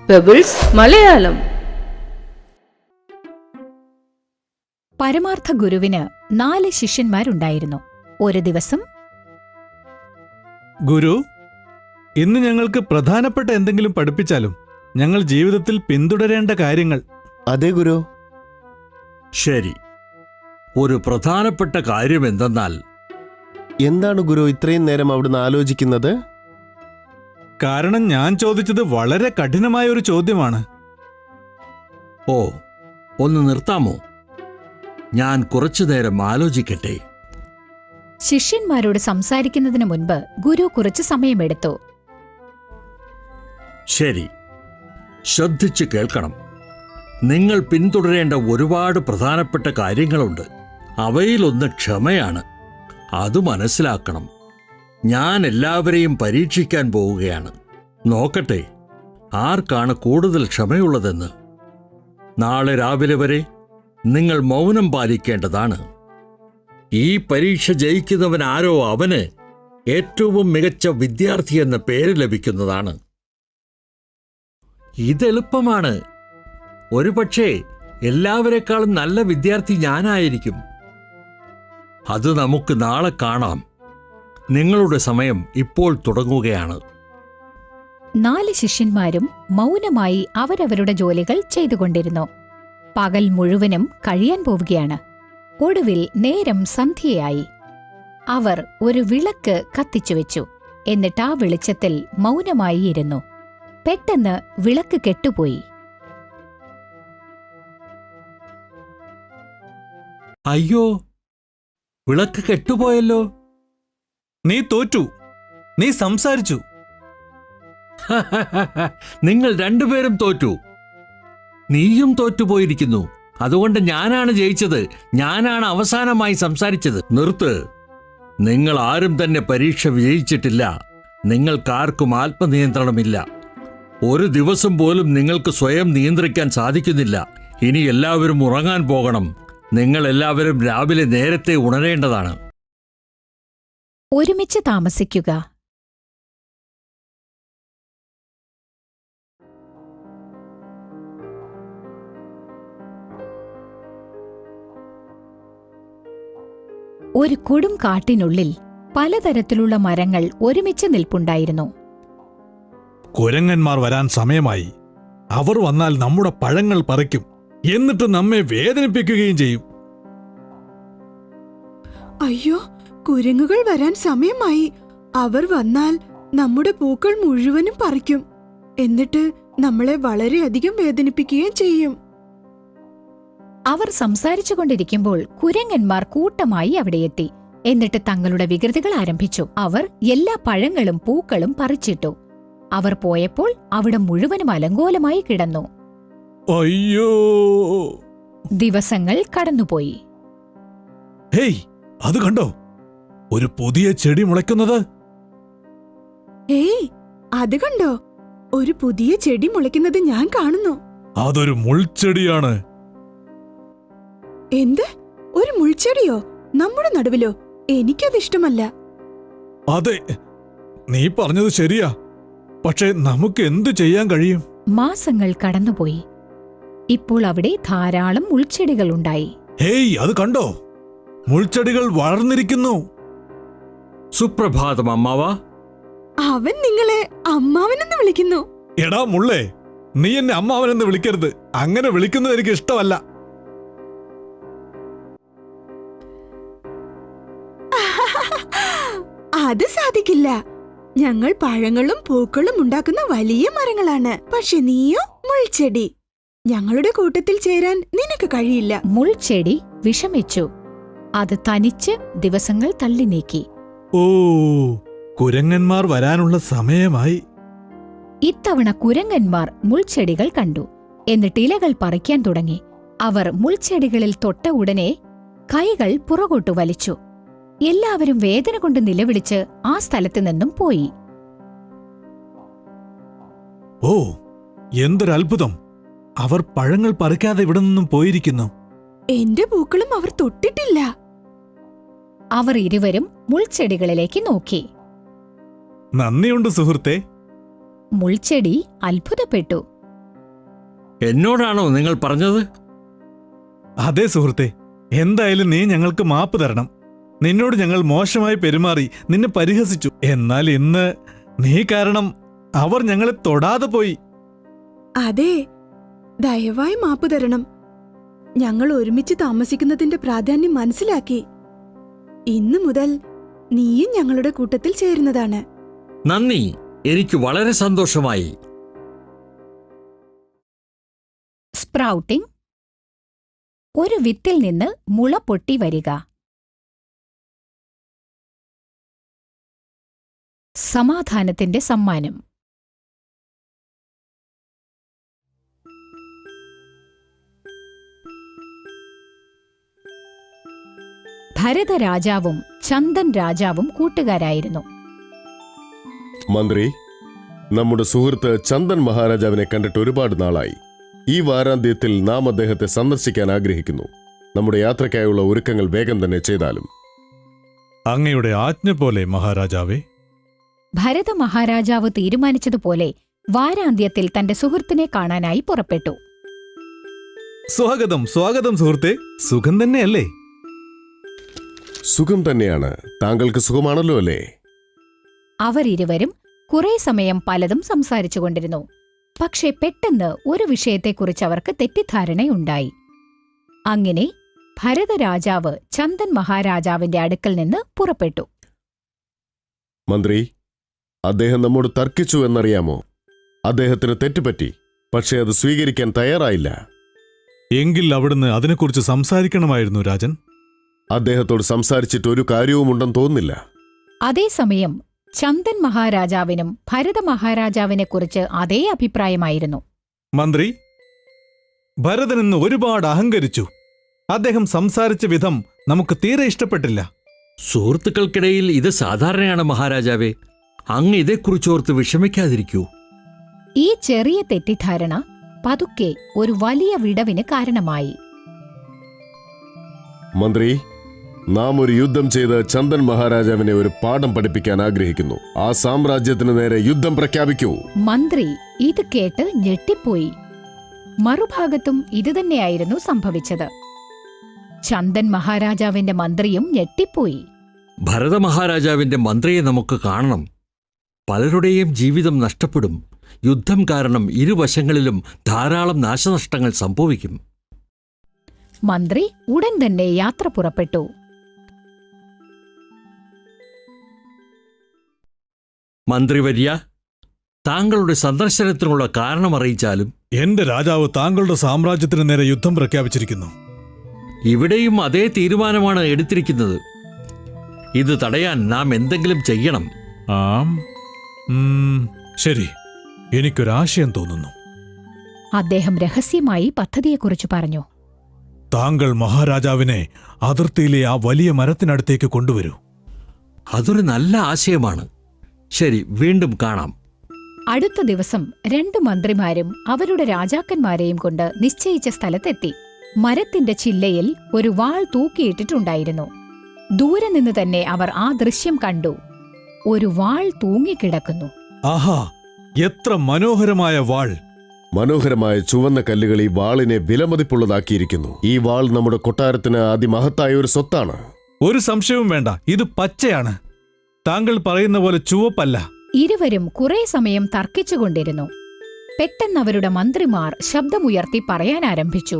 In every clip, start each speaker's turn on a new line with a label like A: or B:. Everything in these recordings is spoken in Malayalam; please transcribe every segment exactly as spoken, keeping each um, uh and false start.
A: പെബിൾസ് മലയാളം.
B: പരമാർത്ഥ ഗുരുവിന് നാല് ശിഷ്യന്മാരുണ്ടായിരുന്നു. ഒരു ദിവസം,
C: ഗുരു, ഇന്ന് ഞങ്ങൾക്ക് പ്രധാനപ്പെട്ട എന്തെങ്കിലും പഠിപ്പിച്ചാലും ഞങ്ങൾ ജീവിതത്തിൽ പിന്തുടരേണ്ട കാര്യങ്ങൾ.
D: അതെ ഗുരു.
E: ശരി, ഒരു പ്രധാനപ്പെട്ട കാര്യം എന്തെന്നാൽ.
D: എന്താണ് ഗുരു ഇത്രയും നേരം അവിടുന്ന് ആലോചിക്കുന്നത്?
C: കാരണം ഞാൻ ചോദിച്ചത് വളരെ കഠിനമായ ഒരു ചോദ്യമാണ്.
E: ഓ, ഒന്ന് നിർത്താമോ? ഞാൻ കുറച്ചു നേരം ആലോചിക്കട്ടെ.
B: ശിഷ്യന്മാരോട് സംസാരിക്കുന്നതിന് മുൻപ് ഗുരു കുറച്ചു സമയമെടുത്തു.
E: ശരി, ശ്രദ്ധിച്ചു കേൾക്കണം. നിങ്ങൾ പിന്തുടരേണ്ട ഒരുപാട് പ്രധാനപ്പെട്ട കാര്യങ്ങളുണ്ട്. അവയിലൊന്ന് ക്ഷമയാണ്. അത് മനസ്സിലാക്കണം. ഞാൻ എല്ലാവരെയും പരീക്ഷിക്കാൻ പോവുകയാണ്. നോക്കട്ടെ ആർക്കാണ് കൂടുതൽ ക്ഷമയുള്ളതെന്ന്. നാളെ രാവിലെ വരെ നിങ്ങൾ മൗനം പാലിക്കേണ്ടതാണ്. ഈ പരീക്ഷ ജയിക്കുന്നവൻ ആരോ അവന് ഏറ്റവും മികച്ച വിദ്യാർത്ഥി എന്ന പേര് ലഭിക്കുന്നതാണ്. ഇതെളുപ്പമാണ്. ഒരുപക്ഷേ എല്ലാവരെക്കാളും നല്ല വിദ്യാർത്ഥി ഞാനായിരിക്കും. അത് നമുക്ക് നാളെ കാണാം. നിങ്ങളുടെ സമയം ഇപ്പോൾ തുടങ്ങുകയാണ്.
B: നാല് ശിഷ്യന്മാരും മൗനമായി അവരവരുടെ ജോലികൾ ചെയ്തുകൊണ്ടിരുന്നു. പകൽ മുഴുവനും കഴിയാൻ പോവുകയാണ്. ഒടുവിൽ നേരം സന്ധ്യയായി. അവർ ഒരു വിളക്ക് കത്തിച്ചുവെച്ചു. എന്നിട്ട് ആ വെളിച്ചത്തിൽ മൗനമായി ഇരുന്നു. പെട്ടെന്ന് വിളക്ക് കെട്ടുപോയി.
E: അയ്യോ, വിളക്ക് കെട്ടുപോയല്ലോ.
C: നീ തോറ്റു. നീ സംസാരിച്ചു.
E: നിങ്ങൾ രണ്ടുപേരും തോറ്റു. നീയും തോറ്റുപോയിരിക്കുന്നു. അതുകൊണ്ട് ഞാനാണ് ജയിച്ചത്. ഞാനാണ് അവസാനമായി സംസാരിച്ചത്. നിർത്ത്. നിങ്ങൾ ആരും തന്നെ പരീക്ഷ വിജയിച്ചിട്ടില്ല. നിങ്ങൾക്കാർക്കും ആത്മനിയന്ത്രണമില്ല. ഒരു ദിവസം പോലും നിങ്ങൾക്ക് സ്വയം നിയന്ത്രിക്കാൻ സാധിക്കുന്നില്ല. ഇനി എല്ലാവരും ഉറങ്ങാൻ പോകണം. നിങ്ങൾ എല്ലാവരും രാവിലെ നേരത്തെ ഉണരേണ്ടതാണ്.
B: ഒരുമിച്ച് താമസിക്കുക. ഒരു കൊടും കാട്ടിനുള്ളിൽ പലതരത്തിലുള്ള മരങ്ങൾ ഒരുമിച്ച് നിൽപ്പുണ്ടായിരുന്നു.
C: കുരങ്ങന്മാർ വരാൻ സമയമായി. അവർ വന്നാൽ നമ്മുടെ പഴങ്ങൾ പറിക്കും. എന്നിട്ട് നമ്മെ വേദനിപ്പിക്കുകയും ചെയ്യും.
F: അയ്യോ, കുരങ്ങുകൾ വരാൻ സമയമായി. അവർ വന്നാൽ നമ്മുടെ പൂക്കൾ മുഴുവനും പറിക്കും. എന്നിട്ട് നമ്മളെ വളരെയധികം വേദനിപ്പിക്കുകയും ചെയ്യും.
B: അവർ സംസാരിച്ചുകൊണ്ടിരിക്കുമ്പോൾ കുരങ്ങന്മാർ കൂട്ടമായി അവിടെയെത്തി. എന്നിട്ട് തങ്ങളുടെ വികൃതികൾ ആരംഭിച്ചു. അവർ എല്ലാ പഴങ്ങളും പൂക്കളും പറിച്ചിട്ടു. അവർ പോയപ്പോൾ അവിടെ മുഴുവനും അലങ്കോലമായി കിടന്നു.
C: അയ്യോ!
B: ദിവസങ്ങൾ കടന്നുപോയി.
C: ഹേയ്, അത് കണ്ടോ? ഒരു പുതിയ ചെടി മുളയ്ക്കുന്നത്.
F: ഏയ്, അത് കണ്ടോ? ഒരു പുതിയ ചെടി മുളയ്ക്കുന്നത് ഞാൻ കാണുന്നു.
C: അതൊരു മുൾച്ചെടിയാണ്.
F: എന്ത്? ഒരു മുൾച്ചെടിയോ? നമ്മുടെ നടുവിലോ? എനിക്കതിഷ്ടമല്ല.
C: അതെ, നീ പറഞ്ഞത് ശരിയാ. പക്ഷെ നമുക്ക് എന്തു ചെയ്യാൻ കഴിയും?
B: മാസങ്ങൾ കടന്നുപോയി. ഇപ്പോൾ അവിടെ ധാരാളം മുൾച്ചെടികളുണ്ടായി.
C: ഹേയ്, അത് കണ്ടോ? മുൾച്ചെടികൾ വളർന്നിരിക്കുന്നു.
E: സുപ്രഭാതം അമ്മാവ.
F: അവൻ നിങ്ങളെ അമ്മാവനെന്ന് വിളിക്കുന്നു.
C: എടാ മുള്ളേ, നീ എന്നെ അമ്മാവനെന്ന് വിളിക്കരുത്. അങ്ങനെ വിളിക്കുന്നത് എനിക്ക് ഇഷ്ടമല്ല.
F: അത് സാധിക്കില്ല. ഞങ്ങൾ പഴങ്ങളും പൂക്കളും ഉണ്ടാക്കുന്ന വലിയ മരങ്ങളാണ്. പക്ഷെ നീയോ മുൾച്ചെടി. ഞങ്ങളുടെ കൂട്ടത്തിൽ ചേരാൻ നിനക്ക് കഴിയില്ല.
B: മുൾച്ചെടി വിഷമിച്ചു. അത് തനിച്ച് ദിവസങ്ങൾ തള്ളി നീക്കി.
C: ഓ, കുരങ്ങന്മാർ വരാനുള്ള സമയമായി.
B: ഇത്തവണ കുരങ്ങന്മാർ മുൾച്ചെടികൾ കണ്ടു. എന്നിട്ട് ഇലകൾ പറിക്കാൻ തുടങ്ങി. അവർ മുൾച്ചെടികളിൽ തൊട്ട ഉടനെ കൈകൾ പുറകോട്ടു വലിച്ചു. എല്ലാവരും വേദന കൊണ്ട് നിലവിളിച്ച് ആ സ്ഥലത്തു നിന്നും പോയി.
C: ഓ, എന്തൊരത്ഭുതം! അവർ പഴങ്ങൾ പറിക്കാതെ ഇവിടെ നിന്നും പോയിരിക്കുന്നു.
F: എന്റെ പൂക്കളും അവർ തൊട്ടിട്ടില്ല.
B: അവർ ഇരുവരും മുൾച്ചെടികളിലേക്ക് നോക്കി.
C: നന്ദിയുണ്ട് സുഹൃത്തേ.
B: മുൾച്ചെടി അത്ഭുതപ്പെട്ടു.
E: എന്നോടാണോ നിങ്ങൾ പറഞ്ഞത്?
C: അതെ സുഹൃത്തെ, എന്തായാലും നീ ഞങ്ങൾക്ക് മാപ്പ് തരണം. നിന്നോട് ഞങ്ങൾ മോശമായി പെരുമാറി, നിന്നെ പരിഹസിച്ചു. എന്നാൽ ഇന്ന് നീ കാരണം അവർ ഞങ്ങളെ തൊടാതെ പോയി.
F: അതെ, ദയവായി മാപ്പ് തരണം. ഞങ്ങൾ ഒരുമിച്ച് താമസിക്കുന്നതിന്റെ പ്രാധാന്യം മനസ്സിലാക്കി. ഇന്നു മുതൽ നീയും ഞങ്ങളുടെ കൂട്ടത്തിൽ ചേരുന്നതാണ്.
E: നന്ദി, എനിക്ക് വളരെ സന്തോഷമായി.
B: സ്പ്രൗട്ടിംഗ്. ഒരു വിത്തിൽ നിന്ന് മുള പൊട്ടി വരിക. സമാധാനത്തിന്റെ സമ്മാനം. ഭരതരാജാവും ചന്ദൻ രാജാവും കൂട്ടുകാരായിരുന്നു.
D: മന്ത്രി, നമ്മുടെ സുഹൃത്ത് ചന്ദൻ മഹാരാജാവിനെ കണ്ടിട്ട് ഒരുപാട് നാളായി. ഈ വാരാന്ത്യത്തിൽ നാം അദ്ദേഹത്തെ സന്ദർശിക്കാൻ ആഗ്രഹിക്കുന്നു. നമ്മുടെ യാത്രയ്ക്കായുള്ള ഒരുക്കങ്ങൾ വേഗം തന്നെ ചെയ്താലും.
C: അങ്ങയുടെ ആജ്ഞ പോലെ മഹാരാജാവേ.
B: ഭരത മഹാരാജാവ് തീരുമാനിച്ചതുപോലെ വാരാന്ത്യത്തിൽ തന്റെ സുഹൃത്തിനെ കാണാനായി പുറപ്പെട്ടു.
C: സ്വാഗതം സ്വാഗതം സുഹൃത്തെ. സുഖം തന്നെയല്ലേ?
D: സുഖം തന്നെയാണ്. താങ്കൾക്ക് സുഖമാണല്ലോ അല്ലേ?
B: അവരിരുവരും കുറെ സമയം പലതും സംസാരിച്ചുകൊണ്ടിരുന്നു. പക്ഷെ പെട്ടെന്ന് ഒരു വിഷയത്തെക്കുറിച്ച് അവർക്ക് തെറ്റിദ്ധാരണയുണ്ടായി. അങ്ങനെ ഭരതരാജാവ് ചന്ദൻ മഹാരാജാവിന്റെ അടുക്കൽ നിന്ന് പുറപ്പെട്ടു.
D: മന്ത്രി, അദ്ദേഹം നമ്മോട് തർക്കിച്ചു എന്നറിയാമോ? അദ്ദേഹത്തിന് തെറ്റുപറ്റി, പക്ഷേ അത് സ്വീകരിക്കാൻ തയ്യാറായില്ല.
C: എങ്കിൽ അവിടുന്ന് അതിനെക്കുറിച്ച് സംസാരിക്കണമായിരുന്നു രാജൻ.
D: അദ്ദേഹത്തോട് സംസാരിച്ചിട്ട് ഒരു കാര്യവുമുണ്ടെന്ന് തോന്നുന്നില്ല.
B: അതേസമയം ചന്ദൻ മഹാരാജാവിനും ഭരത മഹാരാജാവിനെക്കുറിച്ച് അതേ അഭിപ്രായമായിരുന്നു.
C: മന്ത്രി, ഭരതൻ ഇന്ന് ഒരുപാട് അഹങ്കരിച്ചു. അദ്ദേഹം സംസാരിച്ച വിധം നമുക്ക് തീരെ ഇഷ്ടപ്പെട്ടില്ല.
E: സുഹൃത്തുക്കൾക്കിടയിൽ ഇത് സാധാരണയാണ് മഹാരാജാവേ. അങ്ങ് ഇതേക്കുറിച്ചോർത്ത് വിഷമിക്കാതിരിക്കൂ.
B: ഈ ചെറിയ തെറ്റിദ്ധാരണ പതുക്കെ ഒരു വലിയ വിടവിന് കാരണമായി.
D: മന്ത്രി, നാം ഒരു യുദ്ധം ചെയ്ത് ചന്ദൻ മഹാരാജാവിനെ ഒരു പാഠം പഠിപ്പിക്കാൻ ആഗ്രഹിക്കുന്നു. ആ സാമ്രാജ്യത്തിന് നേരെ യുദ്ധം പ്രഖ്യാപിക്കൂ.
B: മന്ത്രി ഇത് കേട്ട് ഞെട്ടിപ്പോയി. മറുഭാഗത്തും ഇതുതന്നെയായിരുന്നു സംഭവിച്ചത്. ചന്ദൻ മഹാരാജാവിന്റെ മന്ത്രിയും ഞെട്ടിപ്പോയി.
E: ഭരത മഹാരാജാവിന്റെ മന്ത്രിയെ നമുക്ക് കാണണം. പലരുടെയും ജീവിതം നഷ്ടപ്പെടും. യുദ്ധം കാരണം ഇരുവശങ്ങളിലും ധാരാളം നാശനഷ്ടങ്ങൾ സംഭവിക്കും.
B: മന്ത്രി ഉടൻ തന്നെ യാത്ര പുറപ്പെട്ടു.
E: മന്ത്രിവര്യ, താങ്കളുടെ സന്ദർശനത്തിനുള്ള കാരണം അറിയിച്ചാലും.
C: എന്റെ രാജാവ് താങ്കളുടെ സാമ്രാജ്യത്തിന് നേരെ യുദ്ധം പ്രഖ്യാപിച്ചിരിക്കുന്നു.
E: ഇവിടെയും അതേ തീരുമാനമാണ് എടുത്തിരിക്കുന്നത്. ഇത് തടയാൻ നാം എന്തെങ്കിലും ചെയ്യണം.
C: ആം ഉം, ശരി, എനിക്കൊരാശയം തോന്നുന്നു.
B: അദ്ദേഹം രഹസ്യമായി പദ്ധതിയെക്കുറിച്ച് പറഞ്ഞു.
C: താങ്കൾ മഹാരാജാവിനെ അതിർത്തിയിലെ ആ വലിയ മരത്തിനടുത്തേക്ക് കൊണ്ടുവരൂ.
E: അതൊരു നല്ല ആശയമാണ്. ശരി, വീണ്ടും കാണാം.
B: അടുത്ത ദിവസം രണ്ടു മന്ത്രിമാരും അവരുടെ രാജാക്കന്മാരെയും കൊണ്ട് നിശ്ചയിച്ച സ്ഥലത്തെത്തി. മരത്തിന്റെ ചില്ലയിൽ ഒരു വാൾ തൂക്കിയിട്ടിട്ടുണ്ടായിരുന്നു. ദൂരെ നിന്ന് തന്നെ അവർ ആ ദൃശ്യം കണ്ടു. ഒരു വാൾ തൂങ്ങിക്കിടക്കുന്നു.
C: ആഹാ, എത്ര മനോഹരമായ വാൾ!
D: മനോഹരമായ ചുവന്ന കല്ലുകൾ ഈ വാളിനെ വിലമതിപ്പുള്ളതാക്കിയിരിക്കുന്നു. ഈ വാൾ നമ്മുടെ കൊട്ടാരത്തിന് അതിമഹത്തായ ഒരു സ്വത്താണ്.
C: ഒരു സംശയവും വേണ്ട, ഇത് പച്ചയാണ്. താങ്കൾ പറയുന്ന പോലെ ചുവപ്പല്ല.
B: ഇരുവരും കുറെ സമയം തർക്കിച്ചുകൊണ്ടിരുന്നു. പെട്ടെന്ന് അവരുടെ മന്ത്രിമാർ ശബ്ദമുയർത്തി പറയാനാരംഭിച്ചു.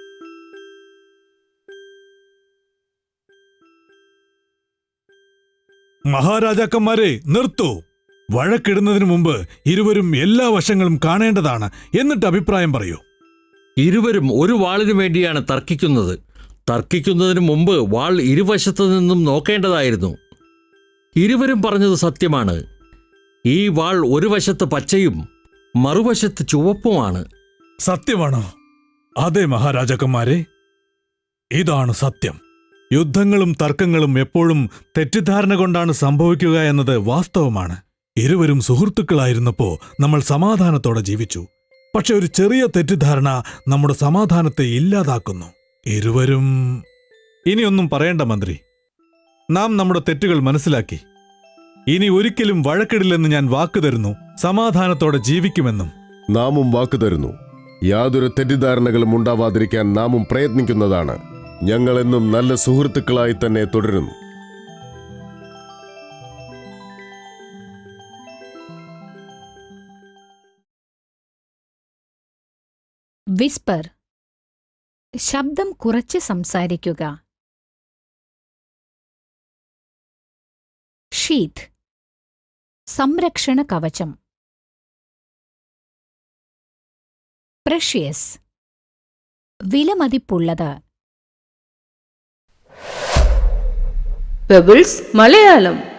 C: മഹാരാജാക്കന്മാരെ, നിർത്തൂ! വഴക്കിടുന്നതിനു മുമ്പ് ഇരുവരും എല്ലാ വശങ്ങളും കാണേണ്ടതാണ്. എന്നിട്ട് അഭിപ്രായം പറയൂ.
E: ഇരുവരും ഒരു വാളിനു വേണ്ടിയാണ് തർക്കിക്കുന്നത്. തർക്കിക്കുന്നതിനു മുമ്പ് വാൾ ഇരുവശത്തു നിന്നും നോക്കേണ്ടതായിരുന്നു. ഇരുവരും പറഞ്ഞത് സത്യമാണ്. ഈ വാൾ ഒരു വശത്ത് പച്ചയും മറുവശത്ത് ചുവപ്പുമാണ്.
C: സത്യമാണോ? അതെ മഹാരാജാക്കന്മാരെ, ഇതാണ് സത്യം. യുദ്ധങ്ങളും തർക്കങ്ങളും എപ്പോഴും തെറ്റിദ്ധാരണ കൊണ്ടാണ് സംഭവിക്കുക എന്നത് വാസ്തവമാണ്. ഇരുവരും സുഹൃത്തുക്കളായിരുന്നപ്പോ നമ്മൾ സമാധാനത്തോടെ ജീവിച്ചു. പക്ഷെ ഒരു ചെറിയ തെറ്റിദ്ധാരണ നമ്മുടെ സമാധാനത്തെ ഇല്ലാതാക്കുന്നു. ഇരുവരും... ഇനിയൊന്നും പറയേണ്ട മന്ത്രി. നാം നമ്മുടെ തെറ്റുകൾ മനസ്സിലാക്കി. ഇനി ഒരിക്കലും വഴക്കിടില്ലെന്ന് ഞാൻ വാക്കു തരുന്നു. സമാധാനത്തോടെ ജീവിക്കുമെന്നും.
D: നാമും വാക്കു തരുന്നു. യാതൊരു തെറ്റിദ്ധാരണകളും ഉണ്ടാവാതിരിക്കാൻ നാമും പ്രയത്നിക്കുന്നതാണ്. ഞങ്ങളെന്നും നല്ല സുഹൃത്തുക്കളായി തന്നെ തുടരുന്നു.
B: വിസ്പർ, ശബ്ദം കുറച്ച് സംസാരിക്കുക. ഷീറ്റ്, സംരക്ഷണ കവചം. പ്രഷ്യസ്, വിലമതിപ്പുള്ളത്.
A: പെബിൾസ് മലയാളം.